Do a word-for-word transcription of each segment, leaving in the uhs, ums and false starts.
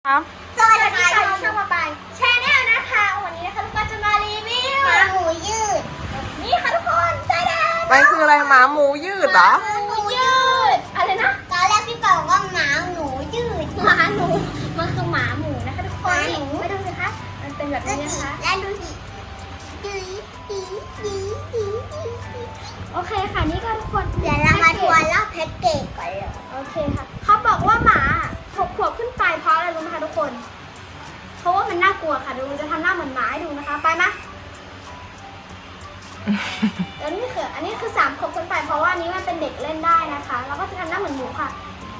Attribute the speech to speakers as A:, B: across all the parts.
A: ครับ
B: สวัสดีค่ะช่องมาไปแชนแนลนะคะวันนี้นะคะทุกคนจะมารีวิวหมาหมูยืดนี่ค่ะทุกคนใจแดง
A: มันคืออะไรหมาหมูยืดเหรอ
B: หมาหมูยืดอะไรนะตอนแรกพี่เป่าว่าหมาหนูยืดหมาหนูมันคือหมาหมูนะคะทุกคนนี่มาดูสิคะมันเป็นแบบนี้นะคะแล้วดูสิดีดีดีดีโอเคค่ะนี่ก็ทุกคนเดี๋ยวเรามาทวนเล่าแพ็กเกจก่อนเลยโอเคค่ะเขาบอกว่าหมาหกขวบขึ้นไปเพราะอะไรรู้ไหมคะทุกคนเพราะว่ามันน่ากลัวค่ะดูจะทำหน้าเหมือนหมาให้ดูนะคะไปไหม แล้วนี่คืออันนี้คือสามขวบขึ้นไปเพราะว่านี้มันเป็นเด็กเล่นได้นะคะแล้วก็จะทำหน้าเหมือนหมูค่ะ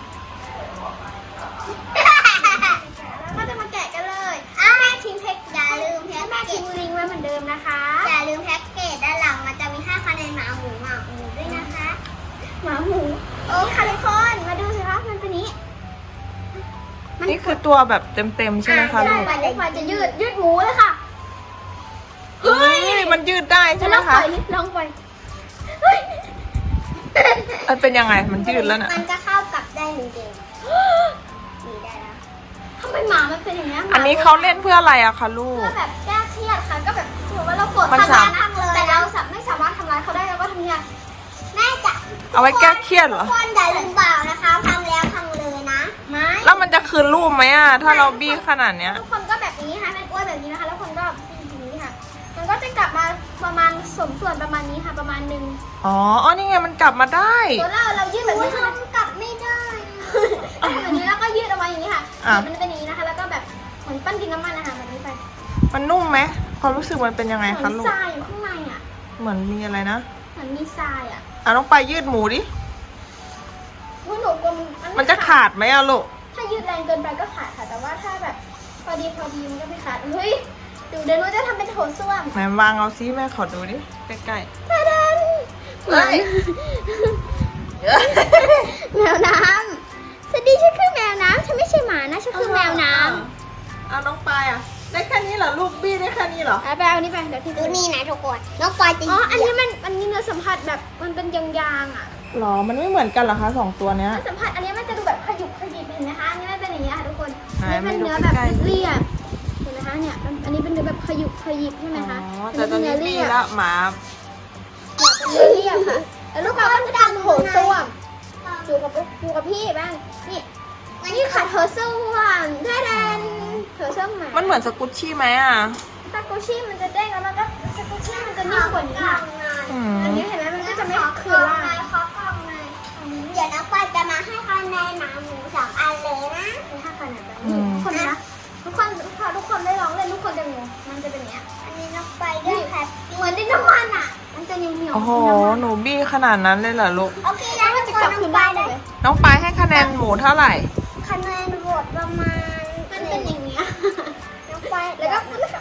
B: แล้วก็จะมาแกะกันเลยแม่ทิ้งแพ็กอย่าลืมแพ็กแม่ทิ้งลิงก์ไว้เหมือนเดิมนะคะอย่าลืมแพ็กเกจด้านหลังมันจะมีห้าคะแนนหมาหมูหมาหมูด้วยนะคะหมาหมูโอ้ค่ะทุกคนมาดูสิคะมันเป็นนี้
A: นี่คือตัวแบบเต็มๆใช่ไหมคะลูก
B: ใช่ค่ะจะยืดยืดหมูเลยค่ะ
A: เฮ้ยมันยืดได้ใช่ไหม
B: ลอง
A: คะ
B: ปล่อยนิดลองปล่อยเฮ้ย
A: มันเป็นยังไงมันยืดแล้วน่ะ
B: มันจะเข้ากับได้จริงๆนี่ได้แล้วทำไมหมามันเป็นอย่างนี้ย
A: อันนี้เขาเล่นเพื่ออะไรอะคะลูก
B: เพื่อแบบแก้เครียดค่ะก็แบบสมมติว่าเราโกรธ
A: มัน
B: ทำ
A: สา
B: ร้ายนั่งเลยแต่เราไม่สามารถทำร้ายเขาได้เราก็ทำยังไงแม่จะ
A: เอาไว้แก้เครียดเหรอ
B: ทุกคนอย่าลืมเปล่านะคะพังแล้วพังเลยนะไม่
A: แล้วมันจะคืนรูปไหมอะถ้าเราบี้ขนาดเนี้ย
B: ทุกคนก็แบบนี้ค่ะเป็นอ้วนแบบนี้นะคะแล้วคนก็อย่างนี้ค่ะมันก็จะกลับมาประมาณสมส่วนประมาณนี้ค่ะประมาณหนึ่ง
A: อ๋ออ๋อนี่ไงมันกลับมาได้
B: ตัวเราเรายืดแบบนี้ค่ะกลับไม่ได้แบบนี้แล้วก็ยืดออกมาอย่างนี้ค่ะมันเป็นอย่างนี้นะคะแล้วก็แบบเหมือนปั้นดินน้ำมันนะคะแบบนี้ไป
A: มันนุ่มไหมความรู้สึกมันเป็นยังไง
B: เหมื
A: คะ
B: อน
A: ลูก
B: ทรายอยู่ข้างในอ่ะ
A: เหมือนมีอะไรนะ
B: เหมือนมีทรายอ่ะ
A: อ่ะน้องไปยืดหมูดิ
B: ว่าหนูกลัวมัน
A: มันจะขาดไหมอะลูก
B: ถ้ายืดแรงเกินไปก็ขาดค่ะแต่ว่าถ้าแบบพอดีพอดีมันก็ไม่ขาดเฮ้ยดูเดี๋ยวหนูจะทำเป็นโถส้วม
A: ไหนวางเอาซิแม่ขอดูดิใกล้
B: ตาดัน
A: ๆเฮ้ย
B: แมวน้ำสวัสดีฉันคือแมวน้ำฉันไม่ใช่หมานะฉันคือแมวน้
A: เอาน้องไปอ่ะได้แค่นี้เหรอลูกบี้ได้แค่นี้เหรอ
B: ำเอาไปเอานี่ไปเดี๋ยวพี่ดูนี่นะทุกคนน้องปอยจะอ๋ออันนี้มันอันนี้เนื้อสัมผัสแบบมันเป็นยางๆอ่ะ
A: หรอมันไม่เหมือนกันเหรอคะสองตัวเนี้ย
B: เนื้อสัมผัสอันนี้มันจะดูแบบขยุกขยิบเห็นไหมคะอันนี้มันเป็นอย่างนี้ค่ะทุกคน
A: ไหน
B: อันนี้เป็น
A: ไม่ดู
B: เนื้อแบบ
A: ใกล้ๆ
B: เรียบๆเห็นไหมคะเนี่ยอันนี้เป็นเนื้อแบบขยุกขยิบใช่ไหมคะ
A: อ๋อแต่ตอนนี้
B: เรี
A: บี้
B: ยบ
A: แล้วหมา
B: เป็นเนื้อเรียบค่ะแล้วลูกเราก็จะทำโถส้วมอยู่กับอยู่กับพี่บ้างนี่นี่ค่ะโถส้วมแท้ดันโถส้วมหมา
A: มันเหมือนสกุชชี่ไหมอ่ะ
B: สกุชชี่มันจะเด้งแล้วมันก็สกุชชี่มันจะนิ่มกว่านี้ค่ะ
A: อื
B: อัน
A: ม
B: นี้เห็นไหมมันก็จะไม่คือล่างเดี๋ยวน้องปอยจะมาให้คะแนนหมาหมูสองอันเลยนะให้ห้าคะแนนแบบนี้ทุกคนนะทุกคนพอทุกคนได้ลองเล่นทุกคนจะงงมันจะเป็นอย่างเงี้ยอันนี้น้องปอยได้แพ็คเหมือนดินน้ำมันอ่ะมันจะเหนียวเหนียว
A: โอ้โหหนูบี้ขนาดนั้นเลยเหรอลูก
B: โอเคแล้วมันจะกลับคืนได้เลย
A: น้องไปให้คะแนนหมูเท่าไหร่
B: คะแนนโหวตประมาณมันเป็นอย่างเงี้ยน้องปอยแล้วก็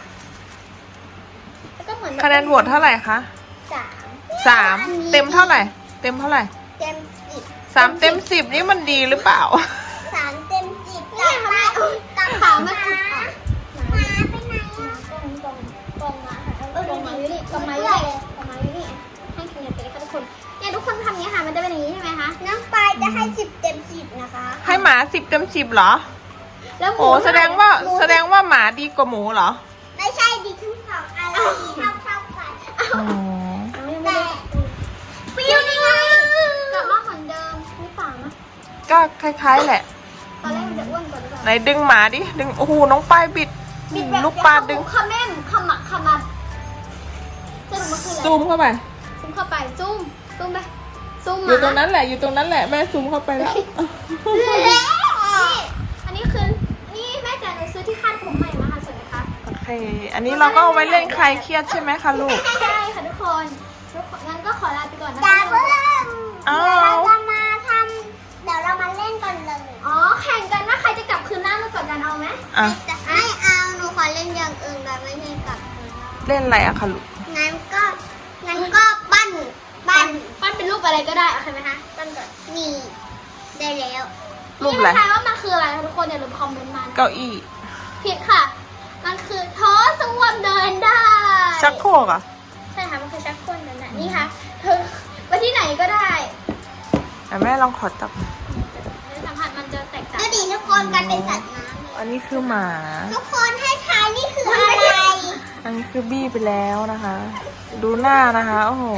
B: แล้วก็เหมือน
A: คะแนนโหวตเท่าไหร่คะ
B: สาม
A: สามเต็มเท่าไหร่ เต็มเท่าไหร่
B: เต็มสิบ
A: สามเต็มสิบนี่มันดีหรือเปล่า
B: สามเต็มสิบนี่ค่ะแม่ตาขาวมาจุดหมาไปไหนอ่ะกองกองกองมาค่ะกองมาอยู่นี่กองมาอยู่นี่กองมาอยู่นี่ให้คะแนนไปเลยค่ะทุกคนเนี่ยทุกคนทำอย่างนี้ค่ะมันจะเป็นอย่างนี้ใช่ไหมคะน้องปายจะให้สิบเต็มสิบนะคะ
A: ให้หมาสิบเต็มสิบเหรอ
B: แล้วหมู
A: โอ้แสดงว่าแสดงว่าหมาดีกว่าหมูเหรอ
B: ไม่ใช่ดีทั้งสองอันดีเท่าเท่ากัน
A: อ๋อ
B: แต่ปิ้วนี่ไงกลับมาเหมือนเดิมหรือเปล่านะ
A: ก็คล้ายๆแหละ
B: ตอนแรกมันจะอ้วนกว่าหรือเปล่า
A: ไหนดึงหมาดิ ดึง โอ้โห น้องปลายบิด
B: บิดแบบ
A: ลูกปลาดึง
B: ขม่มขมักขมับสรุปมันคืออะไร
A: ซูมเข้าไป
B: ซูมเข้าไปซูมซูมไปซูม
A: อยู่ตรงนั้นแหละ อยู่ตรงนั้นแหละ แม่ซูมเข้าไปแล้ว
B: นี่อันนี้คือนี่แม่จ๋าหนูซื้อที่คาดผมใหม่มาค่ะสวยไหมคะ
A: โอเค อันนี้เราก็เอาไว้เล่นคลายเครียดใช่ไหมคะลูก
B: ใช่ค่ะทุกคนทุกคนงั้นก็ขอลาไปก่อนนะคะ
A: อ้าว
B: เดี๋ยวเราจะมาทำเดี๋ยวเรามาเล่นกันเลยอ๋อแข่งกันว่าใครจะกลับคืนหน้ามาก่อนกันเอาไหม
A: อ่ะ
B: ไม่เอาหนูขอเล่นอย่างอื่นแบบไม่ใช่กลับคืนหน้า
A: เล่นอะไรอะคะลูก
B: งั้นก็งั้นก็ปั้นปั้นปั้นเป็นรูปอะไรก็ได้โอเคไหมคะปั้นก่อนนี่ได้แล้ว
A: รูปอะไร
B: นี่ทายว่ามันคืออะไรคะทุกคนอย่าลืมคอมเมนต์มา
A: เก้าอี้
B: ผิดค่ะ มันคือโถส้วมเดินได้
A: ชักโครกอะ
B: ใช่ค่ะมันคือชักโครกเดินได้นี่ค่ะเธอไปที่ไหนก็ได้
A: แต่แม่ลองขอจับ
B: เนื้อสัมผัสมันจะแตกต่างดูดิทุกคนกันเป็นสัตว์น้ำเลย
A: อันนี้คือหมา
B: ทุกคนให้ทายนี่คืออะไร
A: อันนี้คือบี้ไปแล้วนะคะ ดูหน้านะคะ โอ้โห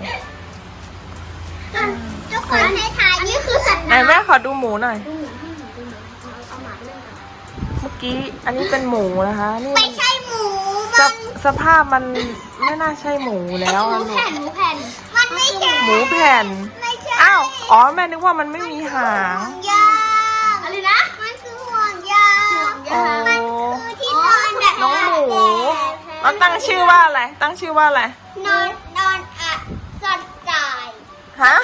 B: ทุกคนให้ทายนี่คือสัตว์
A: ไหน
B: น้ำ
A: แม่ขอดูหมูหน่อย
B: ดูหมูให้หมูดูหมูเอาหมาไปเล่นกัน
A: เมื่อกี้อันนี้เป็นหมูนะคะ นี่
B: ไม่ใช่หมู
A: ส
B: มัน
A: สภาพมันไม่น่าใช่หมูแล้ว
B: หมู
A: อะลูก
B: แผ่นหมูแผ่นมันไม่ใช่
A: หมูแผ่น
B: ไม่ใช่
A: อ้าว อ๋อแม่นึกว่ามันไม่มีหาง
B: ห่วงยางอะไรนะมันคือห่วงยางห่วง
A: โอ้
B: ยางมันคือที่นอนแบบ
A: น้องหมูแล้วตั้งชื่อว่าอะไร ตั้งชื่อว่าอะไร
B: นอนนอนอ่ะสัตว์ตาย
A: ฮะ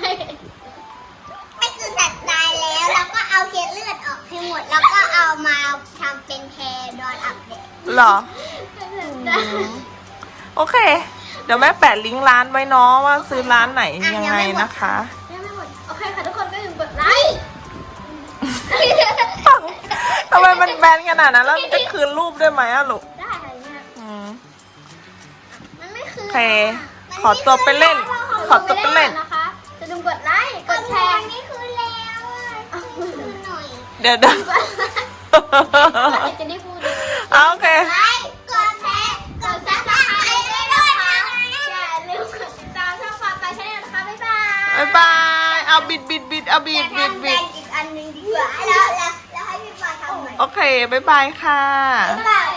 B: ไม่คือสัตว์ตายแล้วแล้วก็เอาเศษเลือดออกให้หมด แล้วก็เอามาทำเป็นแพรดอนอัปเดต
A: เหรอ โอเค เดี๋ยวแม่แปะลิงก์ร้านไว้เนาะว่าซื้อร้านไหนยังไงนะคะ
B: ยังไม่หมดโอเคค่ะทุกคนก็อย่าลืมกดไลค์
A: ทำไมมันแบนขนาดนั้นแล้วจะคืนรูปได้ไหมอะลูก
B: ได้ค่ะเนี่ย
A: อืม
B: มันไม่คือ
A: โอเค ขอตัวไปเล่น ขอตัวไปเล่น
B: นะคะจะลืมกดไลค์กดแชร์นี่คือแล้วอ่ะคือหน่อย
A: เดี๋ยวเดี๋ยว
B: จะได้พูด
A: เอาโอเค
B: ไลค์กดแชร์กดซับสไครต์ด้วยนะคะอย่าลืมกดติดตามช่องฝากไปชาแนลนะคะบ๊ายบาย
A: บ๊ายบาย เอาบิดบิดบิดเอาบิดบิดบิด
B: อีกอันหนึ่งดีกว่าแล้วแล้วแล้วให้พี่ปาทำหน่อย
A: โอเค บ๊ายบายค่ะ
B: บ๊ายบาย